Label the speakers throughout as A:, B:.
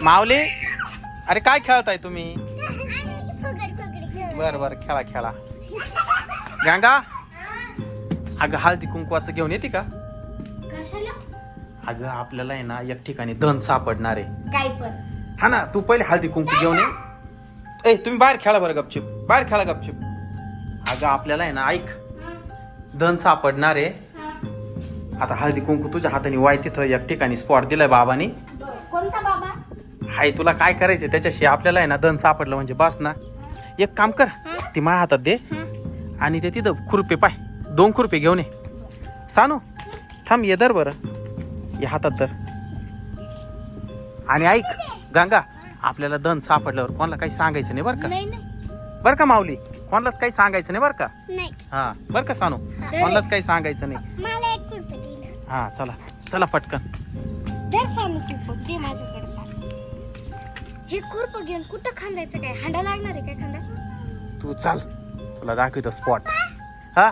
A: माऊली अरे काय खेळताय तुम्ही? बर बर खेळा खेळा. गंगा अगं हळदी कुंकवाचं घेऊन येते का?
B: कशाला?
A: अगं आपल्याला आहे ना एक ठिकाणी धन सापडणार आहे.
B: काय पण?
A: हा ना तू पहिले हळदी कुंकू घेऊन ये. ए तुम्ही बाहेर खेळा बरं गपचिप, बाहेर खेळा गपचिप. अगं आपल्याला आहे ना ऐक धन सापडणार आहे. आता हळदी कुंकू तुझ्या हाताने वाय तिथं एक ठिकाणी स्पॉट दिलाय बाबानी.
B: कोणता बाबा?
A: हाय तुला काय करायचंय त्याच्याशी आपल्याला आहे ना धन सापडलं म्हणजे बस ना. एक काम कर ती माझ्या हातात दे आणि ते तिथं खुरपे पाय 2 खुरपे घेऊन ये. सानू थांब ये दर बरं या हातात दर. आणि ऐक गंगा आपल्याला धन सापडल्यावर कोणाला काही सांगायचं नाही बरं का?
B: नाही नाही
A: बरं का माऊली कोणालाच काही सांगायचं नाही बरं का?
B: नाही.
A: हा बरं का सानू कोणालाच काही सांगायचं नाही.
B: मला एक कुल्फी दे ना.
A: हा चला चला पटकन.
B: दर सांगू तू दे माझ्याकडे. हे खुरप घेऊन कुठं खांदायचं काय? हांडा लागणार आहे काय खांदा?
A: तू चाल तुला दाखवतो स्पॉट. हा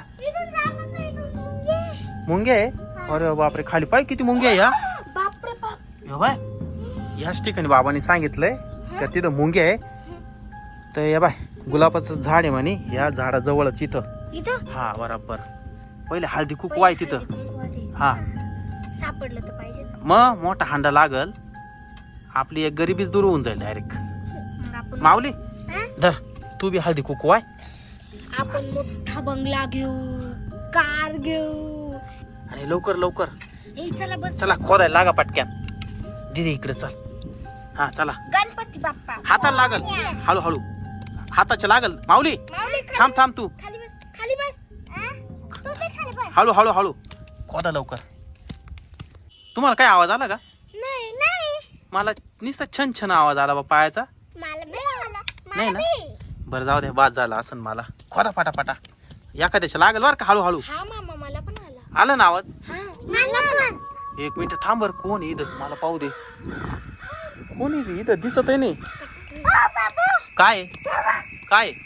A: मुंगे आहे. अरे बापरे खाली पाय किती मुंगे आहे. या
B: बापरे बाप.
A: यो बाय याच ठिकाणी बाबांनी सांगितलंय का तिथं मुंगे आहे. तर या बाय गुलाबाचं झाड आहे म्हणे या झाडाजवळच इथं.
B: इथं?
A: हा बरोबर. पहिले हळदी कुंकू आहे तिथं. हा
B: सापडलं तर पाहिजे ना.
A: मग मोठा हांडा लागल आपली एक गरिबीच दूर होऊन जाईल डायरेक्ट.
B: मग आपण
A: माऊली धर तू बी हळदी कुंकू आहे.
B: आपण मोठा बंगला घेऊ, कार घेऊ.
A: आणि लवकर लवकर
B: ए चला बस.
A: चला खोदायला लागा पटक्यान. दीदी इकडे चल. हा चला
B: गणपती बाप्पा
A: हाताला लागल हळू हळू हाताच्या लागल. माऊली
B: माऊली
A: थांब थांब तू
B: खाली बस खाली बस. तू बी खाली बस.
A: हळू हळू हळू खोदा लवकर. तुम्हाला काय आवाज आला का?
B: नाही नाही
A: मला नुसता छन छन आवाज आला बा पायाचा.
B: मला आला.
A: नाही ना बरं जाऊ दे बाद झाला असं मला. खोदा पाटा एखाद्याच्या लागल बरं का हळू हळू.
B: हा मामा मला पण आला.
A: आलं ना आवाज?
B: हा मला पण.
A: 1 मिनिट थांब बरं. कोण आहे इथं मला पाहू दे. कोण आहे इथं दिसत आहे नाही. काय काय